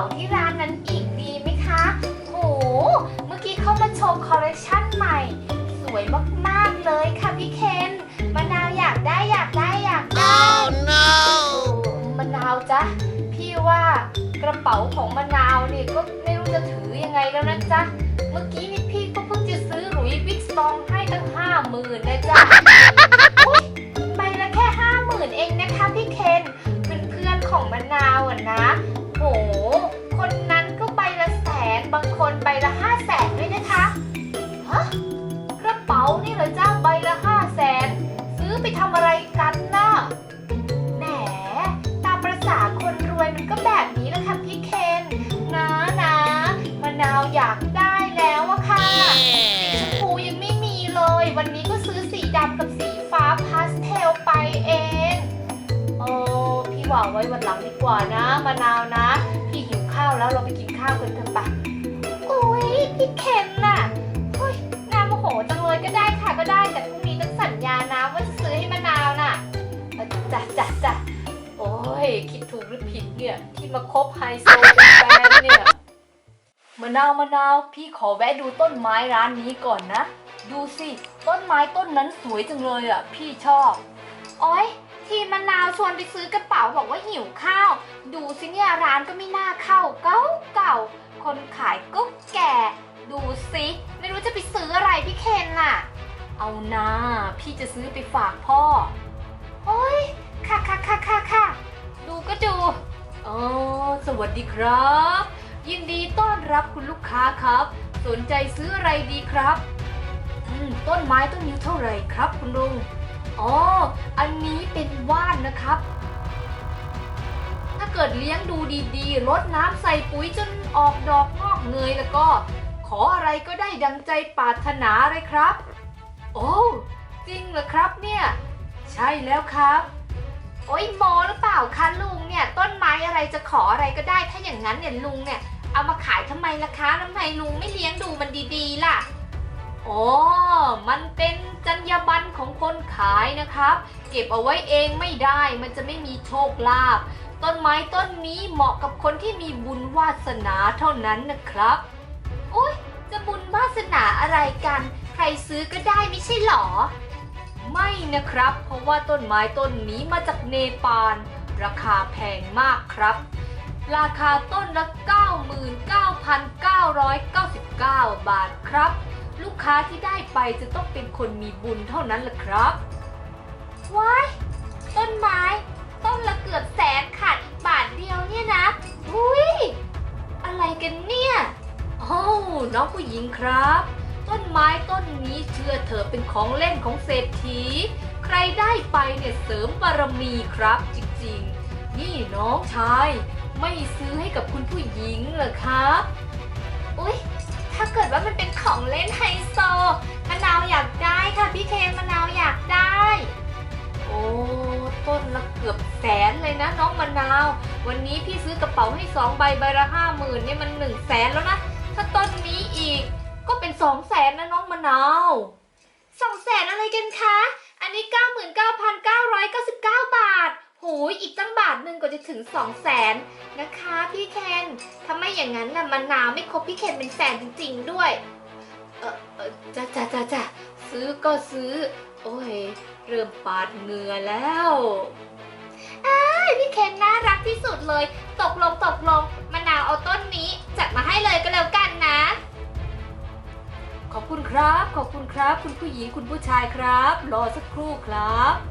ที่ร้านนั้นอีกดีไหมคะโหเมื่อกี้เขามาโชว์คอลเลคชันใหม่สวยมากๆเลยค่ะพี่เคนมะนาวอยากได้Oh no มะนาวจ๊ะพี่ว่ากระเป๋าของมะนาวนี่ก็ไม่รู้จะถือยังไงแล้วนะจ๊ะเมื่อกี้นี่พี่ก็เพิ่งจะซื้อหลุยส์วิกตองให้ตั้ง50,000นะจ๊ะใบละแค่50,000เองนะคะพี่เคนเพื่อนของมะนาวอ่ะนะโหคนนั้นก็ใบละ100,000บางคนใบละ500,000ด้วยนะคะฮะกระเป๋านี่เหรอจ้าใบละ500,000ซื้อไปทำอะไรกันน่ะแหมตามประสาคนรวยมันก็แบบนี้แหละค่ะพี่เคนนะมะนาวอยากได้แล้วอะค่ะสีชมพูยังไม่มีเลยวันนี้ก็ซื้อสีดำกับสีฟ้าพาสเทลไปเองพี่ว่าไว้วันหลังดีกว่านะมะนาวนะพี่หิวข้าวแล้วเราไปกินข้าวกันเถอะปะโอ้ยพี่เคนน่ะเฮ้ยน่าโมโหจังเลยก็ได้ค่ะก็ได้แต่พรุ่งนี้ต้องสัญญานะว่าจะซื้อให้มะนาวน่ะจ้ะโอ้ยคิดถูกหรือผิดเนี่ยที่มาคบไฮโซเป็นแฟนเนี่ยมะนาวพี่ขอแวะดูต้นไม้ร้านนี้ก่อนนะดูสิต้นไม้ต้นนั้นสวยจังเลยอ่ะพี่ชอบโอ้ยทีมะนาวชวนไปซื้อกระเป๋าบอกว่าหิวข้าวดูสิเนี่ยร้านก็ไม่น่าเข้าเก่าคนขายก็แก่ดูสิไม่รู้จะไปซื้ออะไรพี่เคนน่ะเอานะพี่จะซื้อไปฝากพ่อโอ้ยค่ะดูก็ดูสวัสดีครับยินดีต้อนรับคุณลูกค้าครับสนใจซื้ออะไรดีครับต้นไม้ต้นนี้เท่าไหร่ครับคุณลุงอันนี้เป็นว่านนะครับถ้าเกิดเลี้ยงดูดีๆรดน้ำใส่ปุ๋ยจนออกดอกงอกเงยแล้วก็ขออะไรก็ได้ดังใจปรารถนาเลยครับโอ้จริงเหรอครับเนี่ยใช่แล้วครับโอ้ยโมหรือเปล่าคะลุงเนี่ยต้นไม้อะไรจะขออะไรก็ได้ถ้าอย่างนั้นเนี่ยลุงเนี่ยเอามาขายทำไมล่ะคะทำไมลุงไม่เลี้ยงดูมันดีๆล่ะมันเป็นจรรยาบรรณของคนขายนะครับเก็บเอาไว้เองไม่ได้มันจะไม่มีโชคลาภต้นไม้ต้นนี้เหมาะกับคนที่มีบุญวาสนาเท่านั้นนะครับโอ๊ยจะบุญวาสนาอะไรกันใครซื้อก็ได้ไม่ใช่หรอไม่นะครับเพราะว่าต้นไม้ต้นนี้มาจากเนปาลราคาแพงมากครับราคาต้นละ 99,999 บาทครับลูกค้าที่ได้ไปจะต้องเป็นคนมีบุญเท่านั้นแหละครับว้ายต้นไม้ต้นละเกือบ100,000ขาดอีกบาทเดียวเนี่ยนะอุ้ยอะไรกันเนี่ยน้องผู้หญิงครับต้นไม้ต้นนี้เชื่อเถอะเป็นของเล่นของเศรษฐีใครได้ไปเนี่ยเสริมบารมีครับจริงๆนี่น้องชายไม่ซื้อให้กับคุณผู้หญิงเหรอครับอุ๊ยถ้าเกิดว่ามันเป็นของเล่นไฮโซมะนาวอยากได้ค่ะพี่เคนมะนาวอยากได้ต้นละเกือบ100,000เลยนะน้องมะนาววันนี้พี่ซื้อกระเป๋าให้2ใบใบละ50,000เนี่ยมัน100,000แล้วนะถ้าต้นนี้อีกก็เป็น200,000นะน้องมะนาว200,000อะไรกันคะอันนี้ 99,999 บาทโหยอีกตั้งบาทหนึ่งก็จะถึง200,000นะคะพี่เคนถ้าไม่อย่างนั้นน่ะมะนาวไม่ครบพี่เคนเป็นแสนจริงๆด้วยจ้ะซื้อก็ซื้อโอ้ยเริ่มปาดเหงื่อแล้วพี่เคนน่ารักที่สุดเลยตกลงมะนาวเอาต้นนี้จัดมาให้เลยก็แล้วกันนะขอบคุณครับคุณผู้หญิงคุณผู้ชายครับรอสักครู่ครับ